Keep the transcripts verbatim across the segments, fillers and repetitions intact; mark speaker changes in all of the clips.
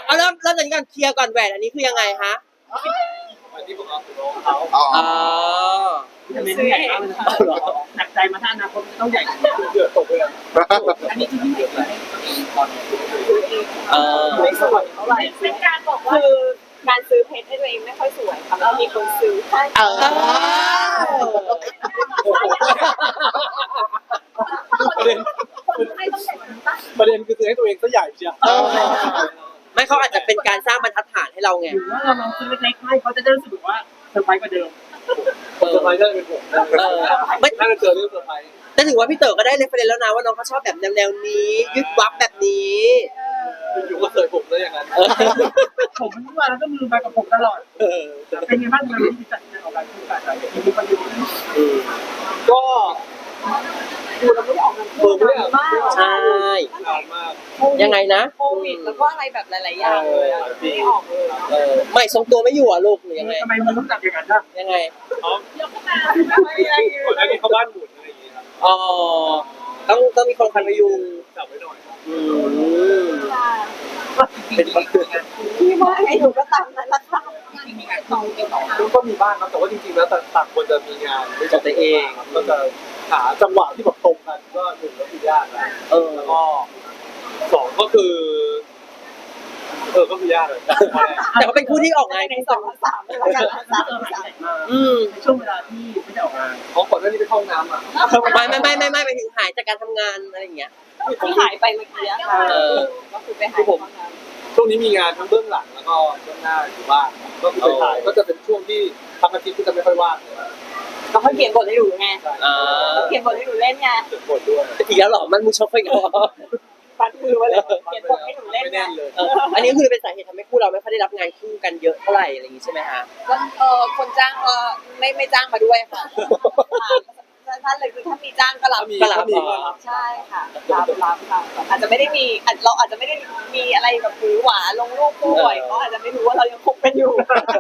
Speaker 1: เอาเริ่มเริ่มจากนี้ก่อนเคลียร์ก่อนแหวนอันนี้คือยังไงฮะ
Speaker 2: อันนี้ผมเอาคือน้องเขา
Speaker 1: อ๋อ
Speaker 3: จะเป็นใหญ่มากเลยหนักใจมาถ้าอนาคตต้องใหญ่
Speaker 2: เดือดตกเลย
Speaker 3: อันนี้คือที่เด็กเลย
Speaker 1: เออ
Speaker 3: ไม่สวยเท่าไหร่
Speaker 4: เป็นการบอกว่าคือการซื้อเพชรให้ตัวเองไม่ค่อยสวยค่ะแล้วมีคนซื้อให้
Speaker 1: เออ
Speaker 2: ประเด็นประเด็นคือซื้อให้ตัวเองซะใหญ่เชียว
Speaker 1: ไม่เขาอาจจะเป็นการสร้างบรรทัดฐานให้เราไง
Speaker 3: หรือว่าเราลองซื้อเล็กๆให้เขาจะได้รู้สึกว่าเซอร์ไพรส์กว่าเดิม
Speaker 2: เซอร์ไพรส์น่าจะเป็นผมไม่น่าจะเจอเรื่องเซอร์ไพรส์
Speaker 1: แต่ถือว่าพี่เต๋อก็ได้เรฟเฟรนซ์แล้วนะว่าน้องเขาชอบแบบแนวๆนี้ยึดวับแบบนี้
Speaker 2: อยู่ก็เคยผมได้อย่างนั้น
Speaker 3: ผมมันว่าแล้วก็มือมากับผมตลอดเป็นยังไงบ้างงานที่จัดงานออกการคู่กันอะไรอย่างนี้ประโยชน์
Speaker 2: ก็ดูแล้วไม่ออกเงินเพิ่มเลย
Speaker 4: มาก
Speaker 1: ใช่ยังไงนะ
Speaker 4: โควิดแล้วก็อะไรแบบหลายๆอย่างเลยไม่ออกเลย
Speaker 1: เออไม่ทรงตัวไม่อยู่อ่ะลูกหรือยังไง
Speaker 3: ทำไมมันต้องจับอย่างนั้นล่ะ
Speaker 1: ยังไง
Speaker 2: อ๋อยกขึ้นมาก่อนหน้านี้เขาบ้านหมุนอะไรอย่างเงี้ยครับ
Speaker 1: อ๋อต้องต้องมีคนคอยพยุง
Speaker 2: จับไว้หน่อย
Speaker 1: อืม
Speaker 2: เป็นคน
Speaker 4: ที่ว่าไอ้หนูก็ตามนั้นละค่ะ
Speaker 2: มีงานต่อก็มีบ้างครับแต่ว่าจริงๆแล้วต่างคนจะมีงานด้วยตัวเองก็จะหาจังหวะที่แบบตรงกันก็หนึ่งก็คือยากนะเออแล้วก็สองก็คือเออก็คือยากเลย
Speaker 1: แต่เขาเป็นคู่ที่ออกงาน
Speaker 4: ในสองสามเลยละกันสามสาม
Speaker 1: อืม
Speaker 3: ในช่วงเวลาที่ไม่ได้ออกงาน
Speaker 2: เขาก่อนหน้านี้ไปเข้าน้ำอ่ะ
Speaker 1: ไม่ไม่ไม่ไม่ไม่ไปถึงหายจากการทำงานอะไรอย่างเงี้ย
Speaker 4: ที่หายไปเมื่อกี้ค่ะก็คือไปหาย
Speaker 2: ผมช่วงนี้มีงานทั้งเบื้องหลังแล้วก็เบื้องหน้าอยู่บ้างก็คือไปถ่ายก็จะเป็นช่วงที่ทำอาทิตย์ก็จะไม่ค่อยว่างเลย
Speaker 4: เขาเขาเขียนบทให้ดูไงเขียนบทให้ดูเล่นไง
Speaker 2: เขียนบทด้วย
Speaker 1: อีกแล้วหรอมันมูชอบไปก่อน
Speaker 4: ปัดมือมาเลยเขียนบทให้ดูเล่นไง
Speaker 1: อันนี้คือเป็นสาเหตุทำให้คู่เราไม่ค่อยได้รับงานคู่กันเยอะเท่าไหร่อะไรอย่างงี้ใช่ไหมฮะ
Speaker 4: ก็เออคนจ้างก็ไม่ไม่จ้างมาด้วยค่ะท่านเลยคือถ้ามีจ้างก็รับ
Speaker 1: ก็รับ
Speaker 4: ใช่ค่ะรับรับค่ะอาจจะไม่ได้มีเราอาจจะไม่ได้มีอะไรแบบหวือหวาลงรูปคู่บ่อยเขาอาจจะไม่รู้ว่าเรายังคบกันอยู่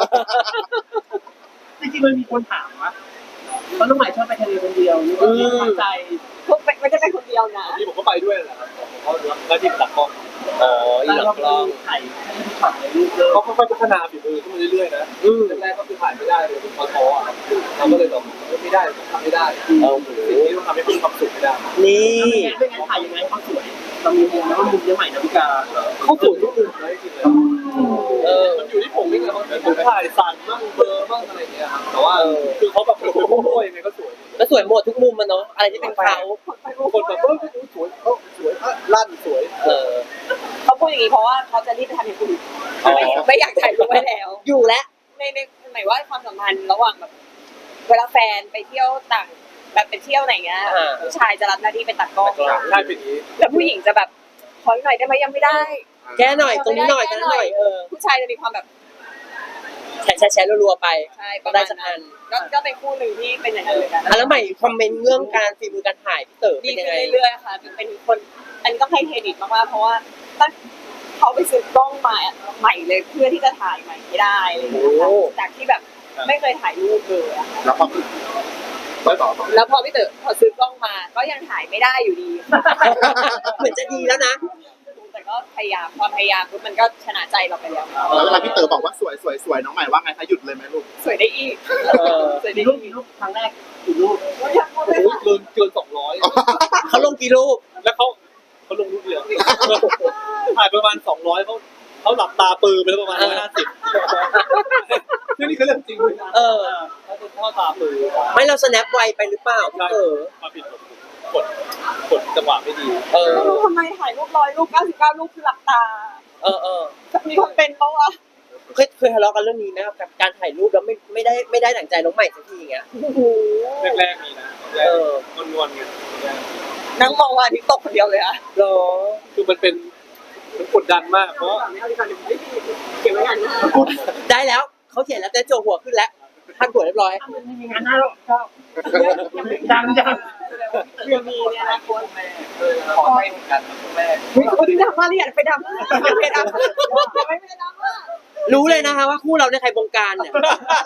Speaker 3: จริงๆมันมีคนถามว่าเพราะน้องใหม่ชอบไปทะเลคนเดียวนี่ก็ตั้งใจ
Speaker 4: พวกไม่ได้ไปคนเดียวนะ
Speaker 2: ที่ผมก็ไปด้วยแหละครับเขาหน้าที่ตัดกล้อง
Speaker 1: อ๋ออีหลักล้อง
Speaker 3: ถ่ายช็อตในรูป
Speaker 2: เขาค่อยๆพัฒนาฝีมือขึ้นมาเรื่อยๆนะแรกๆก็คือถ่ายไม่ได้เลยเป็นท้อๆอ่ะเราก็เลยบอกไม่ได้ทำไม่ได้เออสิ่งที่ต้องทำให้มีความสุขไม่ได้
Speaker 1: นี่
Speaker 3: ไม่งั้นถ่ายยังไงความสวยเรามีมุมแล้วมุมยังใหม่นะพี่กา
Speaker 2: เขาสวยทุกมุมเลยจริงเลยเออมันอยู่ที่ผมนี่ไงบางทีผมถ่ายสั่นบ้างเบลอบ้างอะไรอย่างเงี้ยครับแต่ว่าคือเขาแบบโอ้โหยังไงก็สวย
Speaker 1: แล้วสวยหมดทุกมุมมันเนาะอะไรที่เป็นเขา
Speaker 2: คนแบบเออสวยเขาสวยลั่นสวย
Speaker 1: เออ
Speaker 4: เขาพูดอย่างนี้เพราะว่าเขาจะรีบไปทำอย่างอื่นไม่ไม่อยากถ่ายรูปไว้แล้ว
Speaker 1: อยู่แล้ว
Speaker 4: ในในหมายว่าความสัมพันธ์ระหว่างแบบเวลาแฟนไปเที่ยวต่างแบบไปเที่ยวไหนเงี้ยผู้ชายจะรับหน้าที่เป็นตัดกล้อง
Speaker 2: ใช่เป็นอย่างนี้
Speaker 4: แล้วผู้หญิงจะแบบขอหน่อยได้ไหมยังไม่ได้
Speaker 1: แก้หน่อยตรงนี้หน่อยแก้หน่อยเออ
Speaker 4: ผู้ชายจะมีความแบบ
Speaker 1: แชร์แชร์แชร์รัวๆไป
Speaker 4: ใช่
Speaker 1: ก็ได้สักอัน
Speaker 4: ก็ก็เป็นคู่หนึ่งที่เป็นอย่างนั้นเลย
Speaker 1: กันแล้วใหม่คอมเมนต์เรื่องการฝีมือการถ่ายพี่เต๋อ
Speaker 4: ดีขึ้นเรื่อยๆค่ะเป็นคนอันนี้ต้องให้เครดิตมากๆเพราะว่าตั้งเขาไปซื้อกล้องมาใหม่เลยเพื่อที่จะถ่ายใหม่ไม่ได้อะไรอย่างเงี้ยค่ะจากที่แบบไม่เคยถ่ายรูปเลย
Speaker 2: แล้วพอ
Speaker 4: แล้วพอพี่เต๋อพอซื้อกล้องมาก็ยังถ่ายไม่ได้อยู่ดี
Speaker 1: เหมือนจะดีแล้วนะ
Speaker 4: แต่ก็พยายามความพยายามมันก็ชนะใจเราไปแล้ว
Speaker 5: แล้วเวลาพี่เต๋อบอกว่าสวยสวยสวยน้องใหม่ว่าไงคะหยุดเลยไหมลูก
Speaker 4: สวยได้อีก
Speaker 3: สวยได้รูปกี่รูปครั้งแรกกี่รูป
Speaker 2: โอ้ยเกินเกินสองร้อย
Speaker 1: เขาลงกี่รูป
Speaker 2: แล้วเขาเขาลงรูปเดียวถ่ายประมาณสองร้อยเขาเขาหลับตาปืนไปแล้วประมาณร้อยห้าสิบนี่คือเรื่องจริงเลยนะ
Speaker 1: เออ
Speaker 2: เขาจะทอดตาปืน
Speaker 1: ไม่เรา snap ไวไปหรือเปล่าเออ
Speaker 2: มาผิดกดกดจังหวะไม่ดี
Speaker 4: เออทำไมถ่ายรูปร้อยรูปเก้าสิบเก้ารูปคือหลับตา
Speaker 1: เออเออ
Speaker 4: จะมีคนเป็นเพราะว่า
Speaker 1: เคยเคยทะเลาะกันเรื่องนี้ไหมครับกับการถ่ายรูปแล้วไม่ไม่ได้ไม่ได้ดั่งใจน้องใหม่สักทีอย่างเงี้ย
Speaker 2: แรกๆมีนะเออนวลๆไง
Speaker 4: นั่งมองว่าที่ตกคนเดียวเลยอะ
Speaker 1: หรอ
Speaker 2: คือมันเป็นมันกดดันมากเพราะ
Speaker 4: เก็บไว้งานหน้า
Speaker 1: ได้แล้วเขาเขียนแล้วแต่โจหัวขึ้นแล้วท่านหัวเรียบร้อย
Speaker 3: มีงานหน้าแล้วก็ดังจัง
Speaker 4: เรื่องมีเนี่ยนะคนแม่
Speaker 2: ขอให้เหมือนกันคุณแม่
Speaker 4: มีคนที่ดังมากเลยอยากไปดังมากไปดังมากไม่ไปดังมาก
Speaker 1: รู้เลยนะคะว่าคู่เราในใครบงการเนี่ย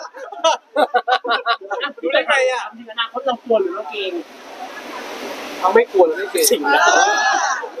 Speaker 2: รู้ได้ไงอ่ะ
Speaker 3: จริงๆนะเขาเรากลัวหรือเราเก่ง
Speaker 2: เขาไม่กลัวหรือไม่เก่ง
Speaker 1: สิ่งแล้ว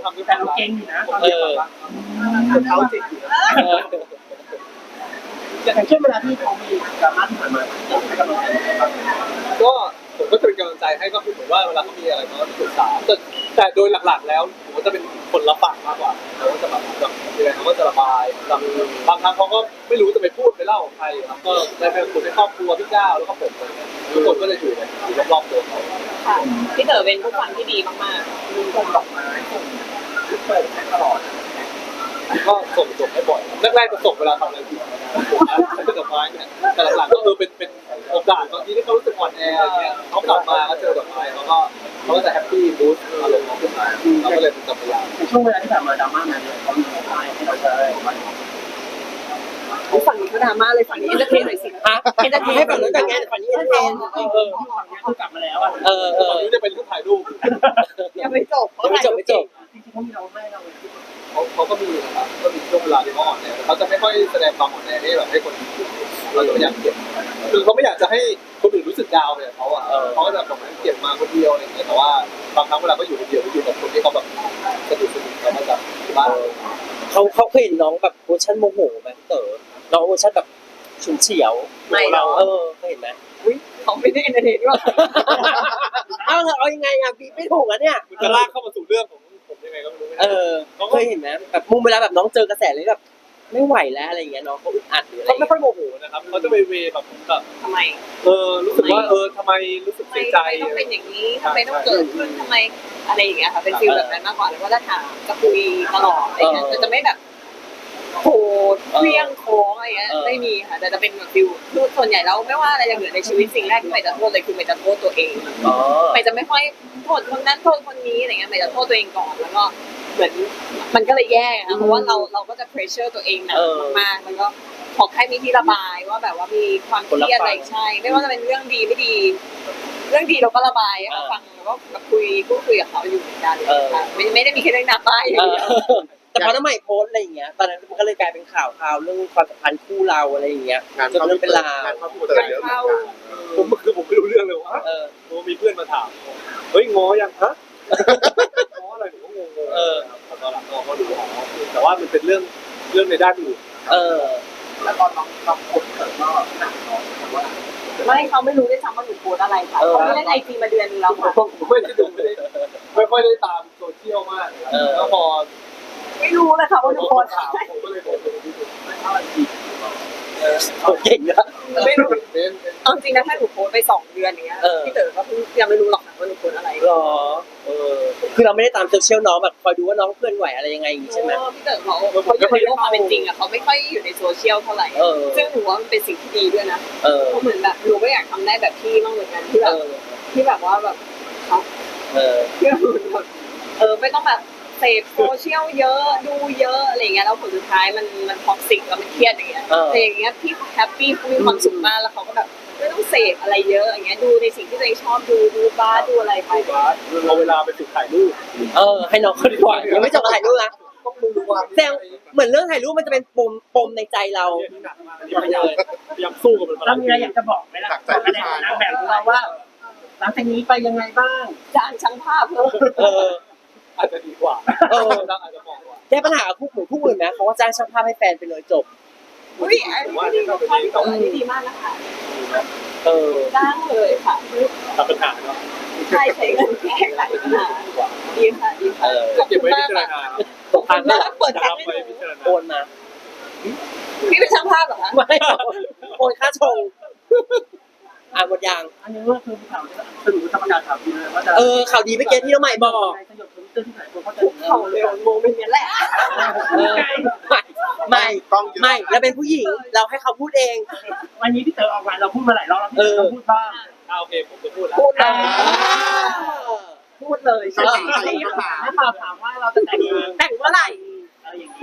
Speaker 2: ทำด้วยค
Speaker 3: แต่
Speaker 2: วาม
Speaker 3: เรา
Speaker 2: รัก
Speaker 3: เก่งอยู่นะตอน
Speaker 1: เอ
Speaker 3: เด็ก
Speaker 1: อ
Speaker 3: อะ
Speaker 2: เท้าจิกอยู่นะ
Speaker 1: เออ
Speaker 3: อย่างเช่นเวลาที่เขามีดราม่าที่ผ่านมาให้กำลังใจยังไงบ้าง
Speaker 2: ก็ผมก็จะเป็นกำลังใจให้ก็คือผมว่าเวลาเขามีอะไรเขาก็ปรึกษาแต่แต่โดยหลักๆ แล้วผมก็จะเป็นคนรับฟังมากกว่าเขาก็จะแบบแบบยังไงเขาก็จะระบายแบบบางครั้งเขาก็ไม่รู้จะไปพูดไปเล่าของใครครับก็ได้เป็นคนในครอบครัวพี่ก้าวแล้วก็ผมอะไรเงี้ยทุกคนก็จะอยู่ในอยู่รอบๆตัวเขา
Speaker 4: ค่ะพี่เต๋อเป็นผู้ฟังที่ดีมาก
Speaker 3: มีส่งดอกไม้ส่งเปิดให้ตลอด
Speaker 2: ก็ส่งส่งให้บ่อยแรกๆจะส่งเวลาทำอะไรผิดใช้เป็นดอกไม้เนี่ยแต่หลังๆก็เออเป็นเป็นโอกาสบางทีที่เขารู้สึกอ่อนแออะไรเงี้ยเขากลับมาก็เจอดอกไม้เขาก็เขาก็จะแฮปปี้บูสต์อารมณ์เขาขึ้นมาเราก็เลยเป็นกัปตัน
Speaker 3: ในช่วงเวลาที่ผ่านมาดราม่ามาเนี่ยเขามีดอกไม้ให้เราได้บ้าง
Speaker 4: ๆฝั่งนี้ก็ดราม่าเลยฝั่งนี้เอนเตอร์เทนหน่อยสิ
Speaker 1: ฮะเอนเตอร์เทนให้ฝั่งนู้นแต่งงานฝั่งนี้เอนเตอร์เทนเออ
Speaker 3: ฝั่งนี้คือกลับมาแล้วอ่ะ
Speaker 1: เออเออ
Speaker 2: ตอนนี้จะเป็นรูปถ่ายรูป
Speaker 4: ยังไม่จบ
Speaker 1: ยังไม่จบไม่จบ
Speaker 3: จริงๆเขามีเราให้เราเลย
Speaker 2: เขาเขาก็มีนะครับก็มีช่วงเวลาที่เขาอ่อนแอเขาจะไม่ค่อยแสดงความอ่อนแอให้แบบให้คนอื่นเราจะไม่อยากเก็บคือเขาไม่อยากจะให้คนอื่นรู้สึกดาวน์เนี่ยเขาอ่ะเขาก็จะแบบเก็บมาคนเดียวอะไรอย่างเงี้ยแต่ว่าบางครั้งเวลาเขาอยู่คนเดียวเขาอยู่กับคนที่เขาแบบสนิทสนิทเขามาจากที่บ้าน
Speaker 1: เขาเขาเคยเห็นน้องแบบเวอร์ชันโมโหไหมพี่เต๋อน้องเวอร์ชันแบบฉุนเฉียว
Speaker 4: ไม่เรา
Speaker 1: เออเคยเห็นไหม
Speaker 4: เขาไม่ได้เอนเตอร์เทนด้วย
Speaker 1: เอาเถอะเอายังไงอ่ะบีไม่ถูกอ่ะเนี่ย
Speaker 2: มันจะลากเข้ามาสู่เรื่องของผมยังไงก็ไม่รู้
Speaker 1: เออเคยเห็นไหมแบบมุมเวลาแบบน้องเจอกระแสเลยแบบไม่ไหวแล้วอะไรอย่างเงี้ยน้องเขาอึดอัดหรืออะไร
Speaker 2: เขาไม่ค่อยโมโหนะครับเขาจะไปเวแบบแบบ
Speaker 4: ทำไม
Speaker 2: เออรู้สึกว่าเออทำไมรู้สึก
Speaker 4: ทำไม
Speaker 2: เสียใจ
Speaker 4: ทำไมต้องเป็นอย่างนี้ทำไมต้องเกิดขึ้นทำไมอะไรอย่างเงี้ยค่ะเป็นฟีลแบบนั้นมากกว่าแล้วก็จะถามจะคุยตลอดอะไรเงี้ยแต่จะไม่แบบโหดเคลี้ยงโค้งอะไรเงี้ยไม่มีค่ะแต่จะเป็นแบบฟิลคือส่วนใหญ่แล้วไม่ว่าอะไรจะเกิดในชีวิตสิ่งแรกที่ใหม่จะโทษเลยคือใหม่จะโทษตัวเอง
Speaker 1: อ๋อ
Speaker 4: ใหม่จะไม่ค่อยโทษคนนั้นโทษคนนี้อะไรเงี้ยใหม่จะโทษตัวเองก่อนแล้วก็เหมือนมันก็เลยแย่ค่ะเพราะว่าเราเราก็จะเพรสเชอร์ตัวเองหนักมากๆมันก็ขอแค่มีที่ระบายว่าแบบว่ามีความเครียดอะไรใช่ ไม่ว่าจะเป็นเรื่องดีไม่ดี เรื่องดีเราก็ระบายให้เขาฟังแล้วก็แบบคุยพูดคุยกับเขาอยู่เหมือนกันค่ะไม่ไม่ได้มีแค่เรื่องดราม่าอย่าง
Speaker 1: เอ
Speaker 4: เดียว
Speaker 1: อแต่พอน้ำใหม่โพสต์อะไรอย่างเงี้ยตอนนั้นมันก็เลยกลายเป็นข่าวข่าวเรื่องความสัมพันธ์คู่เราอะไรอย่างเงี้ย
Speaker 5: งาน
Speaker 1: จน
Speaker 5: เข้า
Speaker 1: เรื่องเป็นราว
Speaker 5: งานเข้าพี่เต๋อเยอะเหมือนกัน
Speaker 2: ผมคือผมไม่รู้เรื่องเลยว่า
Speaker 1: เออ
Speaker 2: ผมมีเพื่อนมาถามเฮ้ยง้อยังฮะง้ออะไรผมก็งงๆ
Speaker 1: เออ
Speaker 2: แต่ตอนหลังก็ดูอ๋อแต่ว่ามันเป็นเรื่องเรื่องในด้านอื่น
Speaker 1: เออ
Speaker 3: แล้วตอนน้องน้องคนเกิดก็หนักน้องแต่ว่า
Speaker 4: ไม่เขาไม่รู้ด้วยซ้ำว่าหนูโพสอะไรค่ะเขาไม่เล่นไอจีมาเดือนนึงแล้วค่ะ
Speaker 2: ผมผมไม่ได้ดูไม่ได้ไม่ค่อยได้ตามโซเชียลมากแล้วพอ
Speaker 4: ไม่รู้เลยค่ะว่าหนู
Speaker 2: โพ
Speaker 4: โพ
Speaker 2: ส
Speaker 4: ส
Speaker 2: ถามผมก็เลยโพสไปที่ดู
Speaker 3: ไม่เท่าไหร่ดี
Speaker 1: เก่งนะ
Speaker 2: ไม่รู้เป็น
Speaker 4: เอาจริงนะถ้าหนูโพสไปสองเดือนอย่างเงี้ยพี่เต๋อก็ยังไม่รู้หรอกค่ะว่าหนูโพสอะไร
Speaker 1: หรอเออคือเราไม่ได้ตามโซเชียลน้องแบบคอยดูว่าน้องเคลื่อนไหวอะไรยังไงอย่างงี้ใช่ไหม
Speaker 4: พี่เต๋อเขาเขาอยู่ในโลกความเป็นจริงอะเขาไม่ค่อยอยู่ในโซเชียลเท่าไหร่
Speaker 1: เออ
Speaker 4: ซึ่งหนูว่ามันเป็นสิ่งที่ดีด้วยนะ
Speaker 1: เออ
Speaker 4: เพราะเหมือนแบบหนูก็อยากทำได้แบบพี่บ้างเหมือนกันที่แบ
Speaker 1: เอบ อ
Speaker 4: ที่แบบว่าแบบเขา
Speaker 1: เออ
Speaker 4: ที่แบบเออไม่ต้องแบบเสพโซเชียลเยอะดูเยอะอะไรเงี้ยแล้วผลสุดท้ายมันมันท็อกซิกแล้วมันเครียดอย่างเงี้ยแต่อย่างเงี้ยพี่แฮปปี้เขามีความสุขมากแล้วเขาก็แบบไม่ต้องเสพอะไรเยอะอย่างเงี้ยดูในสิ่งที่ตัวเองชอบดูดูบ้าดูอะไรไป
Speaker 2: ว่าเอาเวลาไปฝึกถ่ายรูป
Speaker 1: เออให้น้องเขาดีกว่ายังไม่จบถ่ายรูปนะ
Speaker 2: ต้องมือวาง
Speaker 1: แซงเหมือนเรื่องถ่ายรูปมันจะเป็นปมปมในใจเรา
Speaker 2: ที่หนักมากอันนี้พยายามพยายามสู้กับมัน
Speaker 3: เรามีอะไรอยากจะบอกไหมล่ะบอกในนางแบบของเราว่าหลังจากนี้ไปยังไงบ้าง
Speaker 4: จ้างช่างภาพเพิ่ม
Speaker 1: เออ
Speaker 2: อาจจะดีกว่า
Speaker 1: เออ
Speaker 2: อาจจะเหมาะกว่า
Speaker 1: แก้ปัญหาคู่เหมือนคู่อื่นไหมเขาก็จ้างช่างภาพให้แฟนไปเลยจบ
Speaker 4: อุ้ยอันนี้ดีมากอันนี้ดีมากนะคะ
Speaker 1: เออ
Speaker 4: จ้างเลยค่ะ
Speaker 2: ตัดปัญหาเนาะ
Speaker 4: ใช่ใช้เงินแก้ไขปัญหาดีค่ะดีค่ะขอบ
Speaker 2: เก็บ
Speaker 4: คุณ
Speaker 2: ไว้
Speaker 4: มา
Speaker 2: พิ
Speaker 4: ก
Speaker 2: จาร
Speaker 4: ค่ะ
Speaker 2: ณา
Speaker 1: ตก
Speaker 4: ขอบ
Speaker 1: พัน
Speaker 4: คุณมากเปิด
Speaker 2: จะ
Speaker 4: แท็ก
Speaker 2: รับ
Speaker 4: ให้
Speaker 2: ไป
Speaker 4: หนู
Speaker 2: พิจารณา
Speaker 1: โอนมา
Speaker 4: พี่เป็นช่างภาพเหรอคะ
Speaker 1: ไม่โอนค่าชงอ่านหมดยัง
Speaker 3: อันนี้ก็คือข่าวสรุปธรรมดาข่าวดีเลยว่าจะ
Speaker 1: เออข่าวดีเมื่อกี้ที่น้องใหม่บอก
Speaker 3: สยบทวิตเตอร์ที่ไหนคนเขาจะ
Speaker 4: เขาเร็วโมเมนต์นี้แหละ
Speaker 1: เออไม่
Speaker 5: ต้องเยอะ
Speaker 1: ไม่แล้วเป็นผู้หญิงเราให้เขาพูดเอง
Speaker 3: วันนี้พี่เต๋อออกมาเราพูดมาหลายรอบแล้วพี่เต๋อพูดบ้าง
Speaker 2: อ่าโอเคผมจะพูดแล้ว
Speaker 1: พูดเลย
Speaker 4: พูดเลย
Speaker 5: ต้อง
Speaker 4: ใช่
Speaker 5: ถามต้องถาม
Speaker 3: นักข่าวถามว่าเราจะแต่งงาน
Speaker 4: แต่งเมื่อไหร่
Speaker 3: อะไรอย่างนี้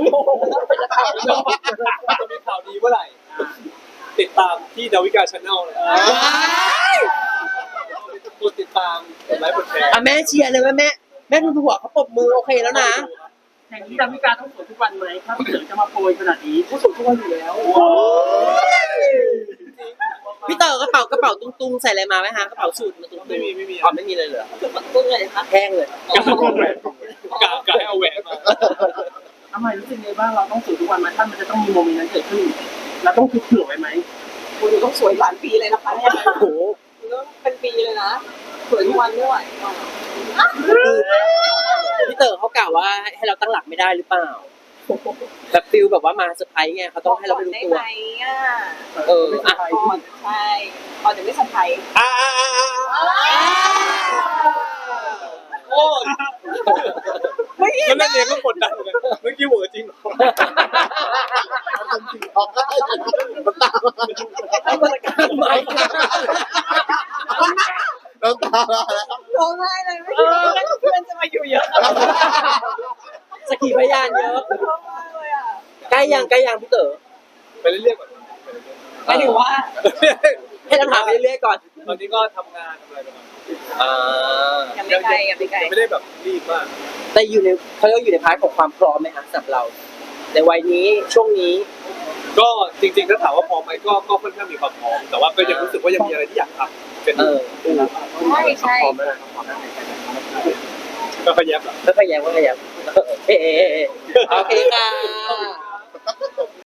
Speaker 2: จะมีข่าวดีเมื่อไหร่ ติดตามที่ดาวิกาชาแนลเลยกดติดตามกดไลค์กดแชร์
Speaker 1: อ่ะแม่เชียร์เลยว่าแม่แม่ดูหัวเขาปรบมือโอเคแล้วนะ
Speaker 3: อย่างนี้ดาวิกาต้องสวยทุกวันไหมถ้าพี่เต๋อจะมาโปรยขนาดนี้ผู้สวยทุกวันอยู่แล้ว
Speaker 1: พี่เต๋อกระเป๋ากระเป๋าตุ้งๆใส่อะไรมาไหมฮะกระเป๋าสูทมาตุ้งๆ
Speaker 2: ไม่มีไม่มี
Speaker 1: อ๋อไม่มีเลยเหรอ
Speaker 4: คือมันตุ้งเลยนะคะ
Speaker 1: แห้งเลย
Speaker 2: ของแหวนของแหวนกะกะให้เอาแหวนมา
Speaker 3: ทำไมรู้สึกไงบ้างเราต้องสวยทุกวันไหมถ้ามันจะต้องมีโมเมนต์นั้นเกิดขึ้นเราต้องคิดเผื่อไว้ไหม
Speaker 4: คุณต้องสวยหลายปีเลยนะคะเนี่ย
Speaker 1: โอ้โห
Speaker 4: คุณต้องเป็นปีเลยนะสวยทุกวันไม่ไหว
Speaker 1: คือพี่เต๋อเขากล่าวว่าให้เราตั้งหลักไม่ได้หรือเปล่าแบบฟิลแบบว่ามาเซอร์ไพรส์ไงเขาต้องให้เราไม่รู้
Speaker 4: ได้
Speaker 1: ตัว
Speaker 4: ไหมอ่ะ
Speaker 1: เอออ่ะ
Speaker 4: ก่อนใช่ก่อนจะไม่สะพาย
Speaker 2: อ่าอ่าอ่าอ่าโอ้ย
Speaker 4: ไม่เห็
Speaker 2: แล้ว
Speaker 4: น
Speaker 2: นั่นเองก็กดดันเหมือนกันเมื่อกี้หัวจริงเหรอ
Speaker 1: เอามาตรการใหม่
Speaker 5: น้ำตาแล้ว
Speaker 4: ร้องไห้เลยไม่คิดว่าเพื่อนจะมาอยู่เยอะ
Speaker 1: สกีพยานเยอะ
Speaker 4: ร้องไห้เลยอ่ะ
Speaker 1: ใกล้ยังใกล้ยังพี่เต๋อ
Speaker 2: ไปเรื่อยๆก่อน
Speaker 4: หมายถึงว่า
Speaker 1: ให้เราถามไปเรื่อยๆก่อน
Speaker 2: ตอนนี้ก็ทำงานทำอะไรไปก่อน
Speaker 1: อ่า
Speaker 4: ยังไม่ไกลยังไม่ไกล
Speaker 2: ยังไม่ได้แบบรีบมาก
Speaker 1: แต่อยู่ในเขาเรียกว่าอยู่ในพาร์ทของความพร้อมไหมคะสำหรับเรา ในวัยนี้ช่วงนี้
Speaker 2: ก็จริงๆถ้าถามว่าพร้อมไหมก็ก็ค่อนข้างมีความพร้อมแต่ว่าก็ยังรู้สึกว่ายังมีอะไรที่อยากทำเป็น
Speaker 1: เออ
Speaker 4: ใช่ใช่
Speaker 2: พร้อมไหมพร้อมไหมก็ขยับอ่ะ
Speaker 1: ไม่พยายามไม่พยายามโอเคโอเคค่ะ